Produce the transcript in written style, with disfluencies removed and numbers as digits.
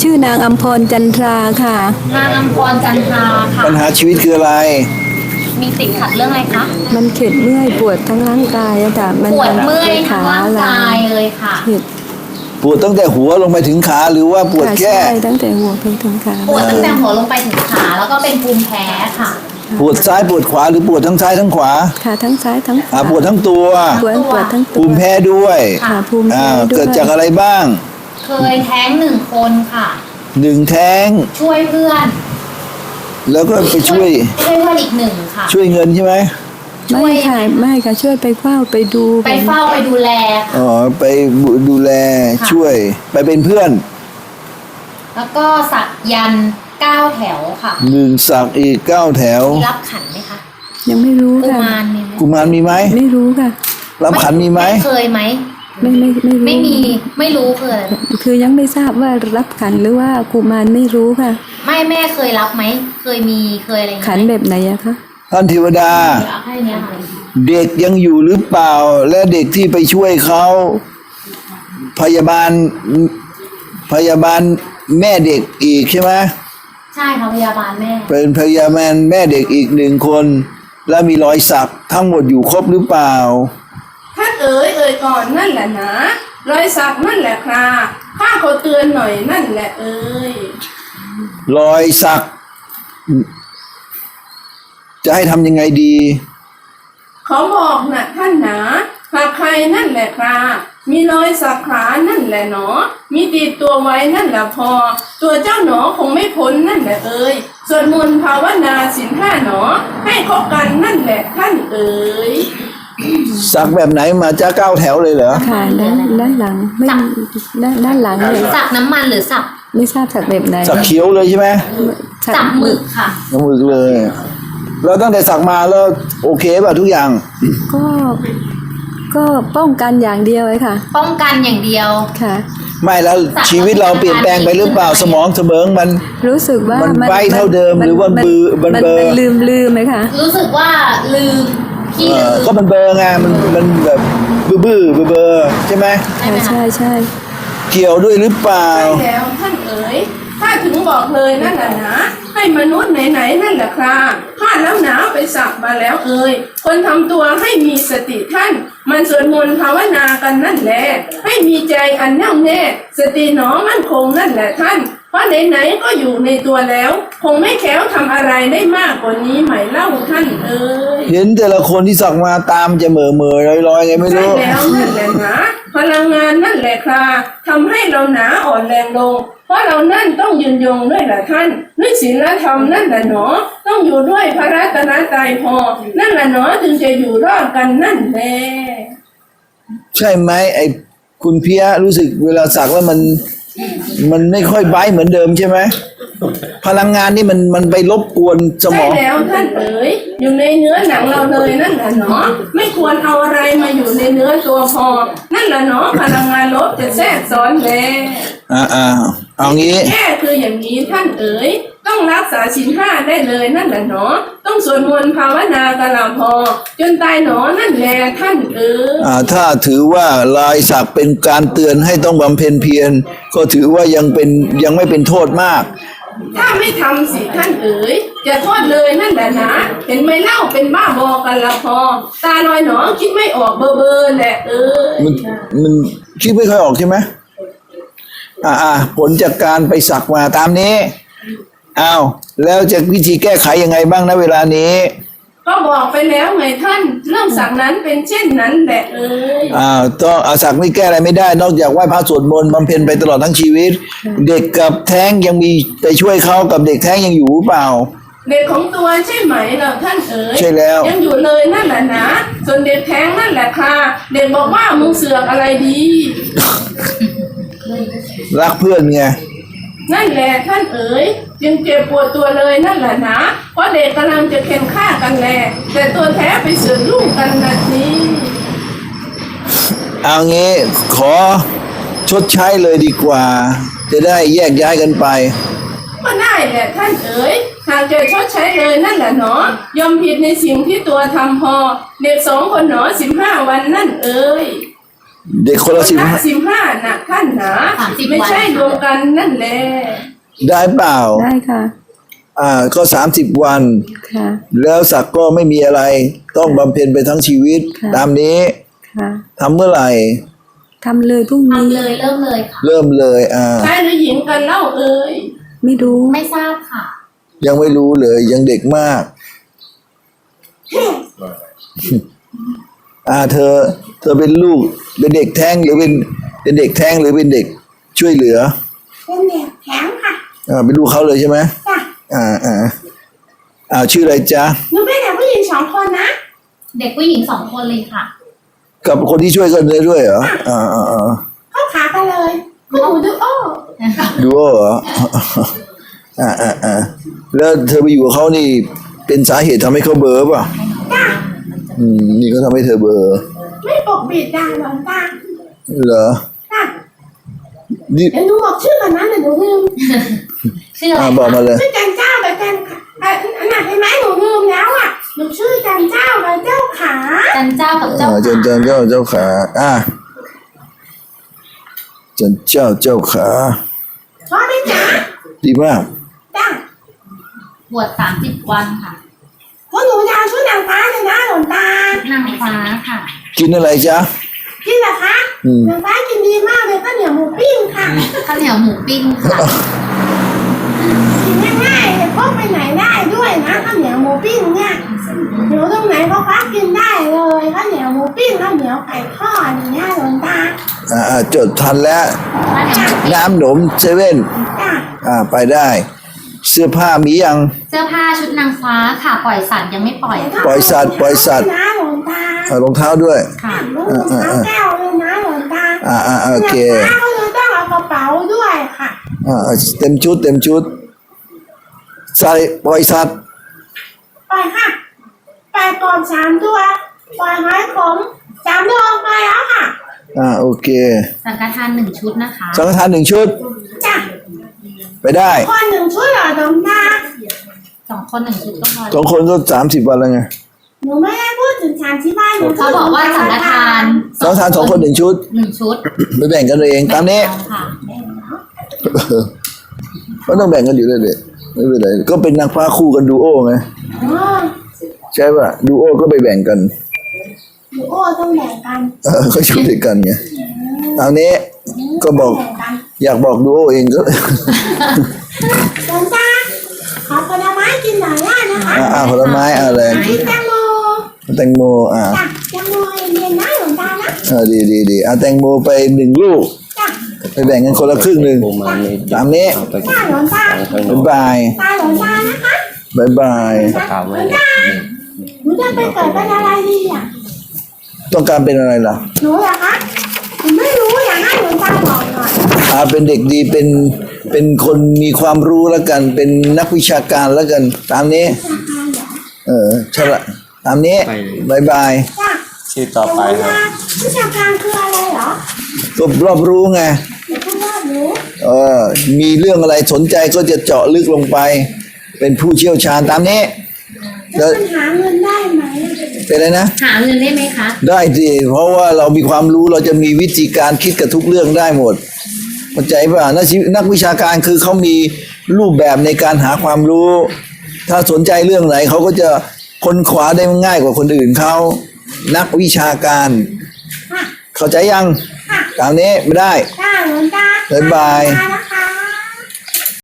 ชื่อนางอัมพรจันทราค่ะนางอัมพรจันทราค่ะปัญหาชีวิตคืออะไรมีติดขัดเรื่องอะไรคะมันเข็ดเมื่อยปวดทั้งร่างกายอะค่ะปวดเมื่อยทั้งร่างกายเลยค่ะปวดตั้งแต่หัวลงไปถึงขาหรือว่าปวดแค่ตั้งแต่หัวไปถึงขาปวดตั้งแต่หัวลงไปถึงขาแล้วก็เป็นภูมิแพ้ค่ะปวดซ้ายปวดขวาหรือปวดทั้งซ้ายทั้งขวาค่ะทั้งซ้ายทั้งขวาปวดทั้งตัวปวดทั้งตัวภูมิแพ้ด้วยค่ะภูมิแพ้ด้วยเกิดจากอะไรบ้างเคยแท้ง1 คนค่ะ 1แท้งช่วยเพื่อนแล้วก็ไปช่วยเพื่อนอีก1ค่ะช่วยเงินใช่ไหมไม่ค่ะช่วยไปเฝ้าไปดูไปเฝ้าไปดูแลไปดูแลช่วยไปเป็นเพื่อนแล้วก็สักยันต์9 แถวค่ะ 1สักอีก9แถวรับขันไหมคะยังไม่รู้ค่ะกุมารมีไหมไม่รู้ค่ะรับขันมีไหมเคยไหมไม่มีไม่รู้คือยังไม่ทราบว่ารับขันหรือว่ากุมารไม่รู้ค่ะแม่เคยรับไหมเคยอะไรขันแบบไหนอะคะท่านเทวดาเด็กยังอยู่หรือเปล่าและเด็กที่ไปช่วยเขาพยาบาลแม่เด็กอีกใช่ไหมใช่ค่ะพยาบาลแม่เป็นพยาบาลแม่เด็กอีก1 คนและมีรอยสักทั้งหมดอยู่ครบหรือเปล่าท่านเอ๋ยก่อนนั่นแหละนะรอยสักนั่นแหละครับข้าขอเตือนหน่อยนั่นแหละรอยสักจะให้ทำยังไงดีเขาบอกนะท่านนะหากใครนั่นแหละครับมีรอยสักขานั่นแหละหนอมีติดตัวไว้นั่นแหละพอตัวเจ้าหนอคงไม่พ้นนั่นแหละสวดมนต์ภาวนาศีล5หนอให้คบกันนั่นแหละท่านสักแบบไหนมาจ้า9แถวเลยเหรอค่ะด้านหลังไม่ด้านหลังเลยสักน้ำมันหรือสักไม่ทราบสักแบบไหนสักเขียวเลยใช่ไหมสักหมึกค่ะหมึกเลยแล้วตั้งแต่สักมาแล้วโอเคป่ะทุกอย่างก็ป้องกันอย่างเดียวเลยค่ะป้องกันอย่างเดียวค่ะไม่แล้วชีวิตเราเปลี่ยนแปลงไปหรือเปล่าสมองเสมอมันรู้สึกว่ามันไว้เท่าเดิมหรือว่ามันลืมไหมคะรู้สึกว่าลืมก็มันเบอร์ไงมันแบบบื้อใช่ไหมใช่เกี่ยวด้วยหรือเปล่าใช่แล้วท่านถ้าถึงบอกเลยนั่นแหละนะให้มนุษย์ไหนนั่นแหละครับข้าแล้วหนาไปสักมาแล้วคนทำตัวให้มีสติท่านมันสวดมนต์ภาวนากันนั่นแหละให้มีใจอันแน่วแน่สติหนอมั่นคงนั่นแหละท่านเพราะไหนก็อยู่ในตัวแล้วคงไม่แข็งทำอะไรได้มากกว่านี้ไหมเล่าท่านเห็นแต่ละคนที่สักมาตามจะเหม่อลอยไงไม่รู้ใช่แล้วนั่นแหละนะพลังงานนั่นแหละค่ะทำให้เราหนาอ่อนแรงลงเพราะเรานั่นต้องยืนยงด้วยแหละท่านด้วยศีลธรรมนั่นแหละหนอต้องอยู่ด้วยพระรัตนตรัยพอนั่นแหละหนอจึงจะอยู่รอดกันนั่นแหละใช่ไหมไอ้คุณเพียรู้สึกเวลาสักแล้วมันไม่ค่อยไบเหมือนเดิมใช่ไหมพลังงานนี่มันไปรบกวนสมองใช่แล้วท่านอยู่ในเนื้อหนังเราเลยนั่นแหละเนาะไม่ควรเอาอะไรมาอยู่ในเนื้อตัวพอนั่นแหละเนาะพลังงานลบจะแทรกซ้อนแล้วเอางี้แค่คืออย่างนี้ท่านต้องรักษาศีล5ได้เลยนั่นแหละเนาะต้องสวดมนต์ภาวนากันละพอจนตายหนอนั่นแหละท่านถ้าถือว่าลายสักเป็นการเตือนให้ต้องบำเพ็ญเพียรก็ถือว่ายังไม่เป็นโทษมากถ้าไม่ทำสิท่านจะโทษเลยนั่นแหละนะเห็นไหมเล่าเป็นบ้าบอกันละพอตาลอยหนอคิดไม่ออกเบอร์แหละมันคิดไม่ค่อยออกใช่ไหมผลจากการไปสักมาตามนี้แล้วจะวิธีแก้ไขยังไงบ้างนะเวลานี้ก็บอกไปแล้วไงท่านเรื่องสักนั้นเป็นเช่นนั้นแหละต้องสักนี่แก้อะไรไม่ได้นอกจากไหว้พระสวดมนต์บำเพ็ญไปตลอดทั้งชีวิตเด็กกับแท้งยังมีไปช่วยเขากับเด็กแท้งยังอยู่เปล่าเด็กของตัวใช่ไหมเราท่านใช่แล้วยังอยู่เลยนั่นแหละนะส่วนเด็กแท้งนั่นแหละค่ะเด็กบอกว่ามึงเสือกอะไรดีรักเพื่อนไงนั่นแหละท่านยังเจ็บปวดตัวเลยนั่นแหละนะเพราะเด็กกำลังจะเข็นฆ่ากันแหละแต่ตัวแท้ไปเสือกลูกกันนาทีเอางี้ขอชดใช้เลยดีกว่าจะได้แยกย้ายกันไปก็ได้แหละท่านหากจะชดใช้เลยนั่นแหละเนาะยอมผิดในสิ่งที่ตัวทำพอเด็ก2 คนหนอ15 วันนั่นเด็กคนละสิบ 15นะท่านหนา 30 ไม่ใช่รวมกันนั่นแหละได้เปล่าได้ค่ะก็30 วันค่ะแล้วศักดิ์ก็ไม่มีอะไร ต้องบำเพ็ญไปทั้งชีวิตค่ะตามนี้ค่ะทำเมื่อไหร่ทำเลยพรุ่งนี้ทำเลยเริ่มเลยค่ะเริ่มเลยชายหรือหญิงกันเล่าเอ่ยไม่รู้ไม่ทราบค่ะยังไม่รู้เลย ยังเด็กมาก เธอเป็นลูกเป็นเด็กแท้งหรือเป็นเด็กแท้งหรือเป็นเด็กช่วยเหลือเป็นเด็กแข็งค่ะเป็นลูกเขาเลยใช่ไหมจ้ะชื่ออะไรจ๊ะหนูเป็นเด็กผู้หญิง2 คนนะเด็กผู้หญิง2 คนเลยค่ะกับคนที่ช่วยกันเลยด้วยเหรอเข้าขากันเลยคุณหนูดูโอ้ดูเหรอแล้วเธอไปอยู่กับเขานี่เป็นสาเหตุทำให้เขาเบลอป่ะจ้ะนี่ก็ทำให้เธอเบลอไม่ปกปิดจ้ะหลวงตาเหรอจ้ะนี่เดี๋ยวหนูบอกชื่อกันนะเดี๋ยวหนูลืมชื่ออะไรบอกมาคะเลยชื่อจันเจ้ากับจันอันไหนเห็นไหมหนูลืมแล้วอ่ะหนูชื่อจันเจ้ากับเจ้าขาจันเจ้ากับเจ้าจันขาเจ้าขาจันเจ้าขาชอบไหมจ๊ะดีมากจ้ะบวช30 วันค่ะเพราะหนูจะเอาชุดนางฟ้าเลยนะหลวงตานางฟ้าค่ะกินอะไรจ๊ะกินเหรอคะนางฟ้ากินดีมากเลยข้าวเหนียวหมูปิ้งค่ะข้าวเหนียวหมูปิ้งค่ะกินง่ายๆเลยพกไปไหนได้ด้วยนะข้าวเหนียวหมูปิ้งเนี่ยอยู่ตรงไหนก็คว้ากินได้เลยข้าวเหนียวหมูปิ้งข้าวเหนียวไก่ทอดอย่างเงี้ยหลวงตาจดทันแล้ว น้ำหนมเซเว่นจ้ะไปได้ เสื้อผ้ามียังเสื้อผ้าชุดนางฟ้าค่ะ ปล่อยสัตว์ยังไม่ปล่อยค่ะปล่อยสัตว์นะหลวงตารองเท้าด้วยค่ะลูกรองเท้าแก้วเลยนะหลวงตาโอเคนางฟ้าก็เลยต้องเอากระเป๋าด้วยค่ะเต็มชุดใส่ปล่อยสัตว์ไปค่ะ ไปก่อน3 ตัวปล่อยหอยขม3 ตัวไปแล้วค่ะโอเคสังฆทาน1 ชุดนะคะสังฆทาน1 ชุดจ้ะไปได้คน1 ชุดเหรอหลวงตา 2 คน1 ชุดก็พอ 2 คนก็30 วันแล้วไงหนูไม่ได้พูดถึง3 ที่บ้านหนูพูเขาดบอกว่าสังฆทานสังฆทาน2 คน 1 ชุด 1 ชุดไปแบ่งกันเองตามนี้ค่ะก็ต้องแบ่งกันอยู่เลยเด็ไม่เป็นไรก็เป็นนางฟ้าคู่กันดูโอไงอ๋อใช่ป่ะดูโอก็ไปแบ่งกันหนูโอ้ต้องแบ่งกันก็อยู่ด้วยกันไงตามนี้ก็บอกแบ่งกันอยากบอกดูโอเองก็หลวงตาขอผลไม้กินหน่อยได้นะคะผลไม้อะไรไหนแตงโมแตงโมจ้ะแตงโมเย็นๆนะหลวงตานะดีเอาแตงโมไป1 ลูกจ้ะไปแบ่งกันคนละครึ่งหนึ่งตามนี้จ้าหลวงตาบ๊ายบายตาหลวงตานะคะบ๊ายบายหลวงตาหนูจะไปเกิดเป็นอะไรดีอ่ะต้องการเป็นอะไรล่ะหนูเหรอคะหนูไม่รู้อยากให้หลวงตาบอกหน่อยเป็นเด็กดีเป็นคนมีความรู้แล้วกัน เป็นนักวิชาการแล้วกัน ตามนี้ ใช่ละตามนี้บ๊ายบายจ้ะชื่อต่อไปครับวิชาการคืออะไรเหรอก็รอบรู้ไงเดี๋ยวคุณรอบรู้มีเรื่องอะไรสนใจก็จะเจาะลึกลงไป เป็นผู้เชี่ยวชาญตามนี้แล้วมันหาเงินได้ไหมเป็นอะไรนะหาเงินได้ไหมคะได้สิเพราะว่าเรามีความรู้เราจะมีวิธีการคิดกับทุกเรื่องได้หมดเข้าใจป่ะนักวิชาการคือเขามีรูปแบบในการหาความรู้ ถ้าสนใจเรื่องไหนเขาก็จะค้นคว้าได้ง่ายกว่าคนอื่นเขานักวิชาการค่ะเข้าใจยังค่ะตามนี้ไม่ได้จ้าหลวงตาบ๊ายบายตานะคะ